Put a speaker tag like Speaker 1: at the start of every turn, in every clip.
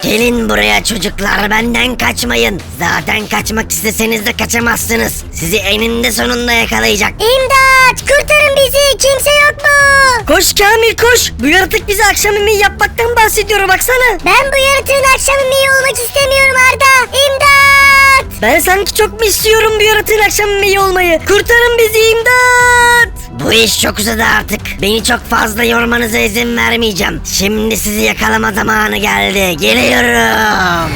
Speaker 1: Gelin buraya çocuklar, benden kaçmayın. Zaten kaçmak isteseniz de kaçamazsınız. Sizi eninde sonunda yakalayacak.
Speaker 2: İmdat! Kurtarın bizi! Kimse yok mu?
Speaker 3: Koş Kamil koş. Bu yaratık bize akşam yemeği yapmaktan bahsediyor baksana.
Speaker 2: Ben bu yaratığın akşam yemeği olmak istemiyorum Arda. İmdat!
Speaker 3: Ben sanki çok mu istiyorum bu yaratığın akşam yemeği olmayı. Kurtarın bizi imdat.
Speaker 1: Bu iş çok uzadı artık. Beni çok fazla yormanıza izin vermeyeceğim. Şimdi sizi yakalama zamanı geldi. Geliyorum.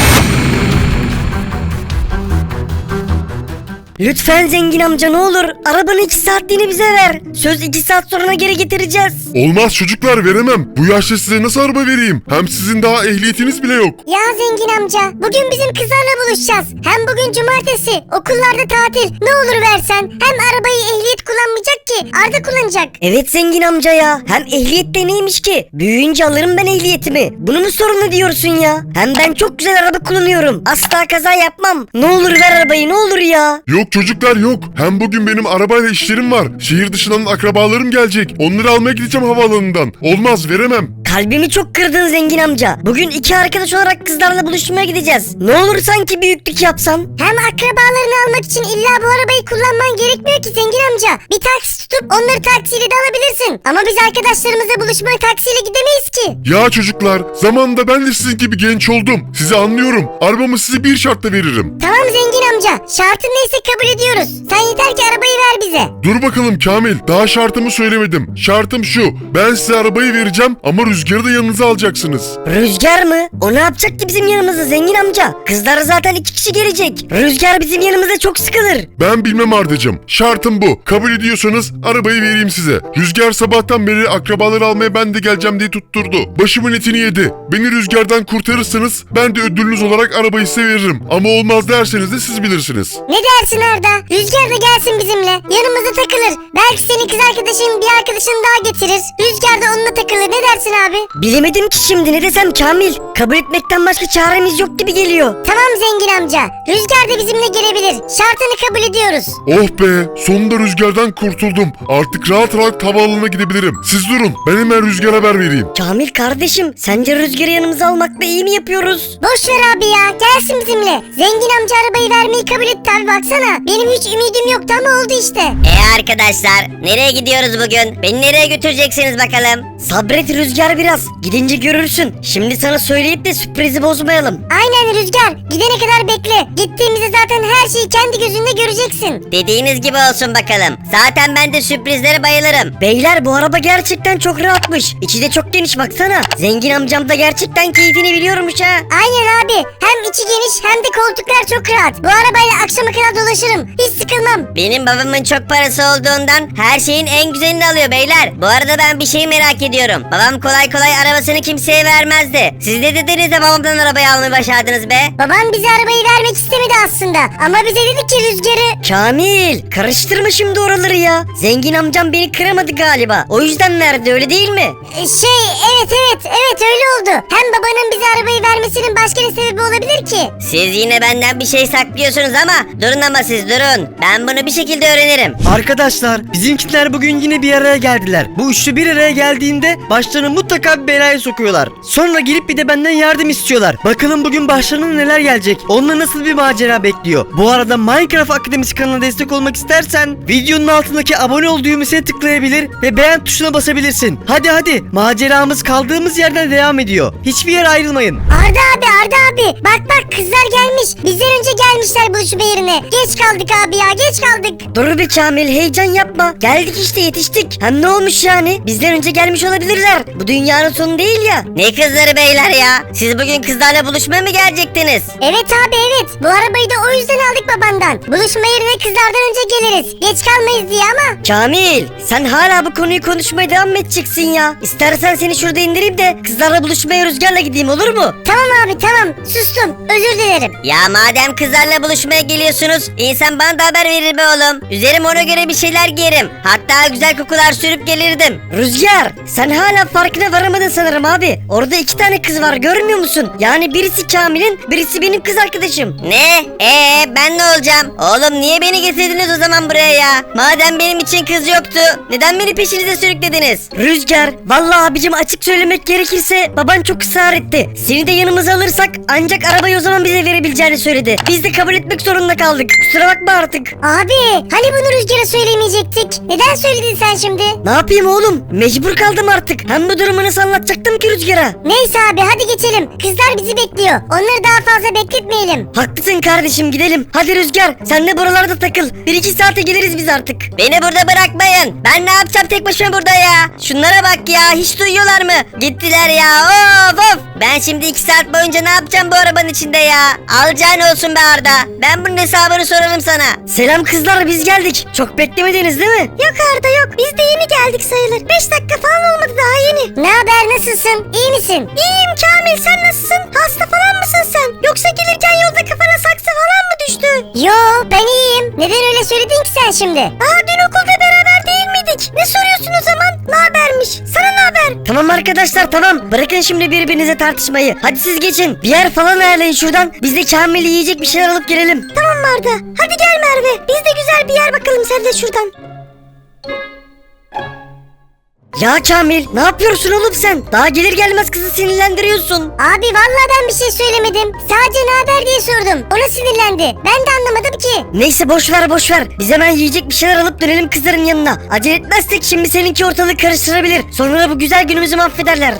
Speaker 3: Lütfen zengin amca ne olur arabanın 2 saatliğini bize ver. Söz 2 saat sonra geri getireceğiz.
Speaker 4: Olmaz çocuklar, veremem. Bu yaşta size nasıl araba vereyim? Hem sizin daha ehliyetiniz bile yok.
Speaker 2: Ya zengin amca, bugün bizim kızlarla buluşacağız. Hem bugün cumartesi, okullarda tatil. Ne olur versen. Hem arabayı ehliyet kullanmayacak ki, Arda kullanacak.
Speaker 3: Evet zengin amca ya. Hem ehliyet de neymiş ki? Büyüyünce alırım ben ehliyetimi. Bunu mu sorun diyorsun ya? Hem ben çok güzel araba kullanıyorum. Asla kaza yapmam. Ne olur ver arabayı ne olur ya.
Speaker 4: Yok çocuklar yok. Hem bugün benim arabayla işlerim var. Şehir dışından akrabalarım gelecek. Onları almaya gideceğim havaalanından. Olmaz, veremem.
Speaker 3: Kalbimi çok kırdın zengin amca. Bugün 2 arkadaş olarak kızlarla buluşmaya gideceğiz. Ne olur sanki büyüklük yapsan.
Speaker 2: Hem akrabalarını almak için illa bu arabayı kullanman gerekmiyor ki zengin amca. Bir taksi tutup onları taksiyle de alabilirsin. Ama biz arkadaşlarımızla buluşmaya taksiyle gidemeyiz ki.
Speaker 4: Ya çocuklar, zamanında ben de sizin gibi genç oldum. Sizi anlıyorum. Arabamı size bir şartla veririm.
Speaker 2: Tamam zengin amca. Şartın neyse kabul ediyoruz. Sen yeter ki arabayı ver bize.
Speaker 4: Dur bakalım Kamil, daha şartımı söylemedim. Şartım şu: ben size arabayı vereceğim ama Rüzgar'ı da yanınıza alacaksınız.
Speaker 3: Rüzgar mı? O ne yapacak ki bizim yanımızda zengin amca? Kızlar zaten 2 kişi gelecek. Rüzgar bizim yanımızda çok sıkılır.
Speaker 4: Ben bilmem Ardacığım. Şartım bu. Kabul ediyorsanız arabayı vereyim size. Rüzgar sabahtan beri akrabaları almaya ben de geleceğim diye tutturdu. Başımın etini yedi. Beni Rüzgar'dan kurtarırsanız ben de ödülünüz olarak arabayı size veririm. Ama olmaz derseniz de siz bilirsiniz.
Speaker 2: Ne dersin Arda? Rüzgar da gelsin bizimle. Yanımızda takılır. Belki senin kız arkadaşın bir arkadaşını daha getirir. Rüzgar da onunla takılır. Ne dersin abi?
Speaker 3: Bilemedim ki şimdi ne desem Kamil. Kabul etmekten başka çaremiz yok gibi geliyor.
Speaker 2: Tamam zengin amca. Rüzgar da bizimle gelebilir. Şartını kabul ediyoruz.
Speaker 4: Oh be! Sonunda Rüzgar'dan kurtuldum. Artık rahat rahat havaalanına gidebilirim. Siz durun. Ben hemen Rüzgar'a haber vereyim.
Speaker 3: Kamil kardeşim sence Rüzgar'ı yanımıza almakla iyi mi yapıyoruz?
Speaker 2: Boş ver abi ya. Gelsin bizimle. Zengin amca arabayı vermeyi kabul etti abi baksana. Benim hiç ümidim yoktu ama oldu işte.
Speaker 1: Arkadaşlar, nereye gidiyoruz bugün? Beni nereye götüreceksiniz bakalım?
Speaker 3: Sabret Rüzgar biraz. Gidince görürsün. Şimdi sana söyleyip de sürprizi bozmayalım.
Speaker 2: Aynen Rüzgar. Gidene kadar bekle. Gittiğimizde zaten her şeyi kendi gözünde göreceksin.
Speaker 1: Dediğiniz gibi olsun bakalım. Zaten ben de sürprizlere bayılırım.
Speaker 3: Beyler bu araba gerçekten çok rahatmış. İçi de çok geniş baksana. Zengin amcam da gerçekten keyfini biliyormuş ha.
Speaker 2: Aynen abi. Hem içi geniş hem de koltuklar çok rahat. Bu arabayla akşama kadar dolaşırım. Hiç sıkılmam.
Speaker 1: Benim babamın çok parası olduğundan her şeyin en güzelini alıyor beyler. Bu arada ben bir şey merak ediyorum. Babam kolay kolay arabasını kimseye vermezdi. Siz ne dediniz de babamdan arabayı almayı başardınız be?
Speaker 2: Babam bize arabayı vermek istemedi aslında. Ama bize dedi ki Rüzgar'ı...
Speaker 3: Kamil karıştırma şimdi oraları ya. Zengin amcam beni kıramadı galiba. O yüzden verdi öyle değil mi?
Speaker 2: Evet öyle oldu. Hem babanın bize arabayı vermesinin başka ne sebebi olabilir ki?
Speaker 1: Siz yine benden bir şey saklıyorsunuz ama durun ama siz durun. Ben bunu bir şekilde öğrenirim.
Speaker 5: Arkadaşlar bizimkiler bugün yine bir araya geldiler. Bu üçlü bir araya geldiğinde başlarını mutlaka bir belaya sokuyorlar. Sonra gelip bir de benden yardım istiyorlar. Bakalım bugün başlarına neler gelecek. Onunla nasıl bir macera bekliyor. Bu arada Minecraft Akademisi kanalına destek olmak istersen videonun altındaki abone ol düğmesine tıklayabilir ve beğen tuşuna basabilirsin. Hadi maceramız kaldığımız yerden devam ediyor. Hiçbir yere ayrılmayın.
Speaker 2: Arda abi. Bak kızlar gelmiş. Bizden önce gelmişler buluşma yerine. Geç kaldık abi ya geç kaldık.
Speaker 3: Dur bir Kamil heyecan yapma. Geldik işte yetiştik. Hem ne olmuş yani? Bizden önce gelmiş olabilirler. Bu dünyanın sonu değil ya.
Speaker 1: Ne kızları beyler ya? Siz bugün kızlarla buluşmaya mı gelecektiniz?
Speaker 2: Evet abi evet. Bu arabayı da o yüzden aldık babandan. Buluşma yerine kızlardan önce geliriz. Geç kalmayız diye ama.
Speaker 3: Kamil sen hala bu konuyu konuşmaya devam edeceksin ya. İstersen seni şurada indireyim de kızlarla buluşmaya Rüzgar'la gideyim olur mu?
Speaker 2: Tamam abi tamam. Tamam sustum. Özür dilerim.
Speaker 1: Ya madem kızlarla buluşmaya geliyorsunuz, insan bana da haber verir be oğlum. Üzerim ona göre bir şeyler giyerim. Hatta güzel kokular sürüp gelirdim.
Speaker 3: Rüzgar sen hala farkına varamadın sanırım abi. Orada 2 tane kız var görmüyor musun? Yani birisi Kamil'in birisi benim kız arkadaşım.
Speaker 1: Ne? Ben ne olacağım? Oğlum niye beni getirdiniz o zaman buraya ya? Madem benim için kız yoktu, neden beni peşinize sürüklediniz?
Speaker 3: Rüzgar vallahi abicim açık söylemek gerekirse baban çok ısrar etti. Seni de yanımıza alırsak ancak arabayı o zaman bize verebileceğini söyledi. Biz de kabul etmek zorunda kaldık. Kusura bakma artık.
Speaker 2: Abi hani bunu Rüzgar'a söylemeyecektik? Neden söyledin sen şimdi?
Speaker 3: Ne yapayım oğlum? Mecbur kaldım artık. Hem bu durumu nasıl anlatacaktım ki Rüzgar'a?
Speaker 2: Neyse abi hadi geçelim. Kızlar bizi bekliyor. Onları daha fazla bekletmeyelim.
Speaker 3: Haklısın kardeşim gidelim. Hadi Rüzgar sen de buralarda takıl. 1-2 saate geliriz biz artık.
Speaker 1: Beni burada bırakmayın. Ben ne yapacağım tek başıma burada ya? Şunlara bak ya, hiç duyuyorlar mı? Gittiler ya, of. Ben şimdi 2 saat boyunca ne yapacağım bu arabanın içinde ya? Alacağın olsun be Arda. Ben bunun hesabını sorarım sana.
Speaker 3: Selam kızlar biz geldik. Çok beklemediniz değil mi?
Speaker 2: Yok Arda yok. Biz de yeni geldik sayılır. 5 dakika falan olmadı daha yeni. Ne haber nasılsın? İyi misin? İyiyim Kamil sen nasılsın? Hasta falan mısın sen? Yoksa gelirken yolda kafana saksı falan mı düştü? Yo ben iyiyim. Neden öyle söyledin ki sen şimdi? Aa dün okulda beraber değil miydik? Ne soruyorsun o zaman? Ne habermiş? Sana ne haber?
Speaker 3: Tamam arkadaşlar tamam. Bırakın şimdi birbirinize tartışmayı. Hadi siz geçin. Bir yer falan ayarlayın şuradan. Biz de Kamil'i yiyecek bir şeyler alıp gelelim.
Speaker 2: Tamam Arda. Hadi gel Merve. Biz de güzel bir yer bakalım sen de şuradan.
Speaker 3: Ya Kamil ne yapıyorsun oğlum sen? Daha gelir gelmez kızı sinirlendiriyorsun.
Speaker 2: Abi vallahi ben bir şey söylemedim. Sadece ne haber diye sordum. Ona sinirlendi. Ben de anlamadım ki.
Speaker 3: Neyse boş ver. Biz hemen yiyecek bir şeyler alıp dönelim kızların yanına. Acele etmezsek şimdi seninki ortalığı karıştırabilir. Sonra bu güzel günümüzü mahvederler.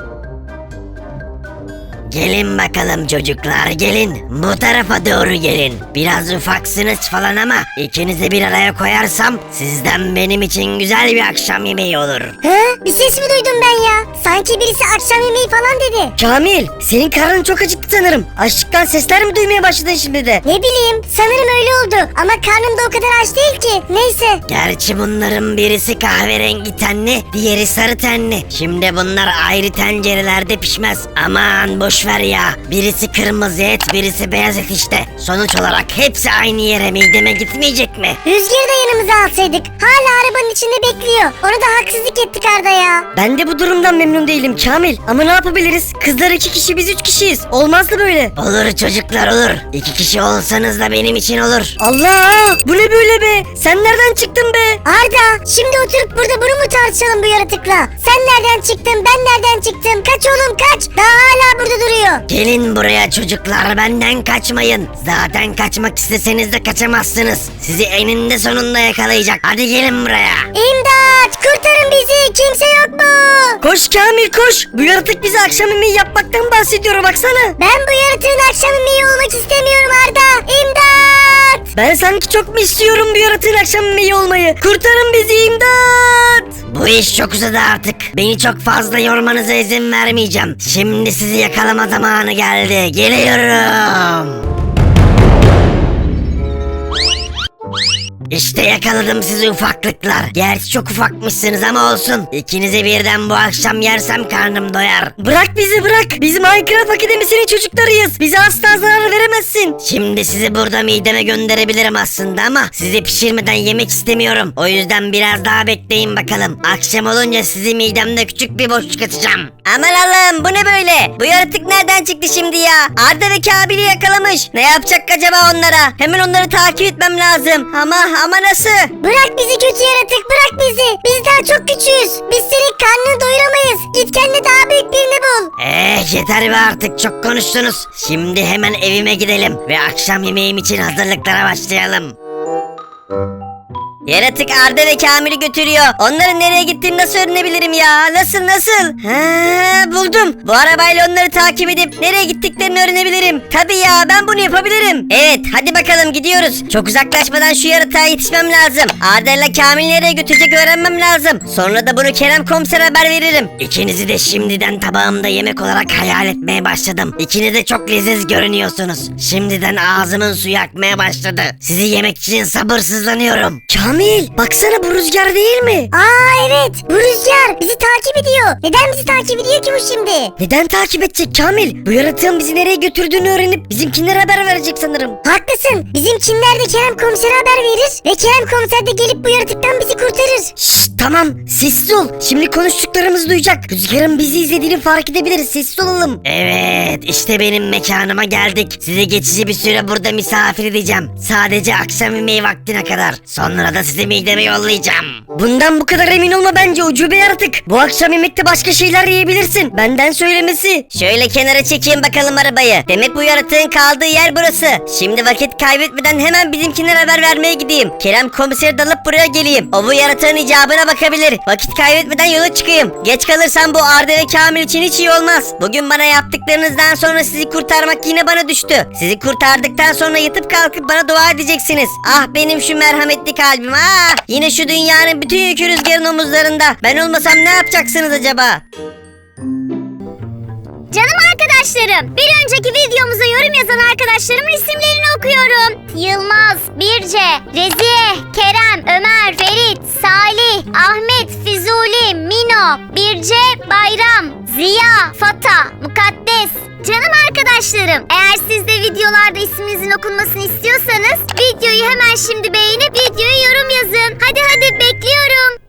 Speaker 1: Gelin bakalım çocuklar, gelin. Bu tarafa doğru gelin. Biraz ufaksınız falan ama ikinizi bir araya koyarsam sizden benim için güzel bir akşam yemeği olur.
Speaker 2: Hı? Bir ses mi duydum ben ya? Sanki birisi akşam yemeği falan dedi.
Speaker 3: Kamil senin karnın çok acıktı sanırım. Açlıktan sesler mi duymaya başladın şimdi de?
Speaker 2: Ne bileyim sanırım öyle oldu. Ama karnım da o kadar aç değil ki. Neyse.
Speaker 1: Gerçi bunların birisi kahverengi tenli, diğeri sarı tenli. Şimdi bunlar ayrı tencerelerde pişmez. Aman boş ver ya. Birisi kırmızı et, birisi beyaz et işte. Sonuç olarak hepsi aynı yere mideme gitmeyecek mi?
Speaker 2: Rüzgarı da yanımıza alsaydık. Hala arabanın içinde bekliyor. Ona da haksızlık ettik Arda ya.
Speaker 3: Ben de bu durumdan memnun değilim Kamil. Ama ne yapabiliriz? Kızlar 2 kişi biz 3 kişiyiz. Olmazdı böyle.
Speaker 1: Olur çocuklar olur. 2 kişi olsanız da benim için olur.
Speaker 3: Allah! Bu ne böyle be? Sen nereden çıktın be?
Speaker 2: Arda şimdi oturup burada bunu mu tartışalım bu yaratıkla? Sen nereden çıktın ben nereden çıktım? Kaç oğlum kaç. Daha hala burada duruyor.
Speaker 1: Gelin buraya çocuklar, benden kaçmayın. Zaten kaçmak isteseniz de kaçamazsınız. Sizi eninde sonunda yakalayacak. Hadi gelin buraya.
Speaker 2: İmdat kurtarın bizi kimse yok mu?
Speaker 3: Koş Kamil koş. Bu yaratık bize akşam yemeği yapmaktan bahsediyor baksana.
Speaker 2: Ben bu yaratığın akşam yemeği olmak istemiyorum Arda. İmdat.
Speaker 3: Ben sanki çok mu istiyorum bu yaratığın akşam yemeği olmayı? Kurtarın bizi imdat.
Speaker 1: Bu iş çok uzadı artık. Beni çok fazla yormanıza izin vermeyeceğim. Şimdi sizi yakalama zamanı geldi. Geliyorum. İşte yakaladım sizi ufaklıklar. Gerçi çok ufakmışsınız ama olsun. İkinizi birden bu akşam yersem karnım doyar.
Speaker 3: Bırak bizi bırak. Biz Minecraft Akademisi'nin çocuklarıyız. Bize asla zarar veremezsin.
Speaker 1: Şimdi sizi burada mideme gönderebilirim aslında ama sizi pişirmeden yemek istemiyorum. O yüzden biraz daha bekleyin bakalım. Akşam olunca sizi midemde küçük bir boşluk açacağım. Aman Allah'ım bu ne böyle? Bu yaratık nereden çıktı şimdi ya? Arda ve Kabil'i yakalamış. Ne yapacak acaba onlara? Hemen onları takip etmem lazım. Ama nasıl?
Speaker 2: Bırak bizi kötü yaratık bırak bizi. Biz daha çok küçüğüz. Biz senin karnını doyuramayız. Git kendine daha büyük birini bul.
Speaker 1: Yeter be artık çok konuştunuz. Şimdi hemen evime gidelim ve akşam yemeğim için hazırlıklara başlayalım. Yaratık Arda ve Kamil'i götürüyor. Onların nereye gittiğini nasıl öğrenebilirim ya? Nasıl? Buldum. Bu arabayla onları takip edip nereye gittiklerini öğrenebilirim. Tabii ya ben bunu yapabilirim. Evet hadi bakalım gidiyoruz. Çok uzaklaşmadan şu yaratığa yetişmem lazım. Arda ile Kamil'i nereye götürecek öğrenmem lazım. Sonra da bunu Kerem komisere haber veririm. İkinizi de şimdiden tabağımda yemek olarak hayal etmeye başladım. İkiniz de çok leziz görünüyorsunuz. Şimdiden ağzımın suyu akmaya başladı. Sizi yemek için sabırsızlanıyorum.
Speaker 3: Kamil Kamil baksana bu Rüzgar değil mi?
Speaker 2: Aa evet, bu Rüzgar bizi takip ediyor. Neden bizi takip ediyor ki bu şimdi?
Speaker 3: Neden takip edecek Kamil? Bu yaratığın bizi nereye götürdüğünü öğrenip bizimkinlere haber verecek sanırım.
Speaker 2: Haklısın. Bizimkinler de Kerem komisere haber verir ve Kerem komiser de gelip bu yaratıktan bizi kurtarır.
Speaker 3: Şşş tamam sessiz ol. Şimdi konuştuklarımızı duyacak. Rüzgar'ın bizi izlediğini fark edebiliriz. Sessiz olalım.
Speaker 1: Evet işte benim mekanıma geldik. Sizi geçici bir süre burada misafir edeceğim. Sadece akşam yemeği vaktine kadar. Sonra da sizi mideme yollayacağım.
Speaker 3: Bundan bu kadar emin olma bence ucube yaratık. Bu akşam yemekte başka şeyler yiyebilirsin. Benden söylemesi.
Speaker 1: Şöyle kenara çekeyim bakalım arabayı. Demek bu yaratığın kaldığı yer burası. Şimdi vakit kaybetmeden hemen bizimkinlere haber vermeye gideyim. Kerem komiseri dalıp buraya geleyim. O bu yaratığın icabına bakabilir. Vakit kaybetmeden yola çıkayım. Geç kalırsam bu Arda ve Kamil için hiç iyi olmaz. Bugün bana yaptıklarınızdan sonra sizi kurtarmak yine bana düştü. Sizi kurtardıktan sonra yatıp kalkıp bana dua edeceksiniz. Ah benim şu merhametli kalbim ah. Yine şu dünyanın bütün yükü Rüzgar'ın omuzlarında. Ben olmasam ne yapacaksınız acaba?
Speaker 2: Canım arkadaşlarım, bir önceki videomuza yorum yazan arkadaşlarımın isimlerini okuyorum. Yılmaz, Birce, Reziye, Kerem, Ömer, Ferit, Salih, Ahmet, Fizuli, Mino, Birce, Bayram, Ziya, Fata, Mukaddes. Canım arkadaşlarım, eğer siz de videolarda isminizin okunmasını istiyorsanız videoyu hemen şimdi beğenip videoya yorum yazın. Hadi bekliyorum.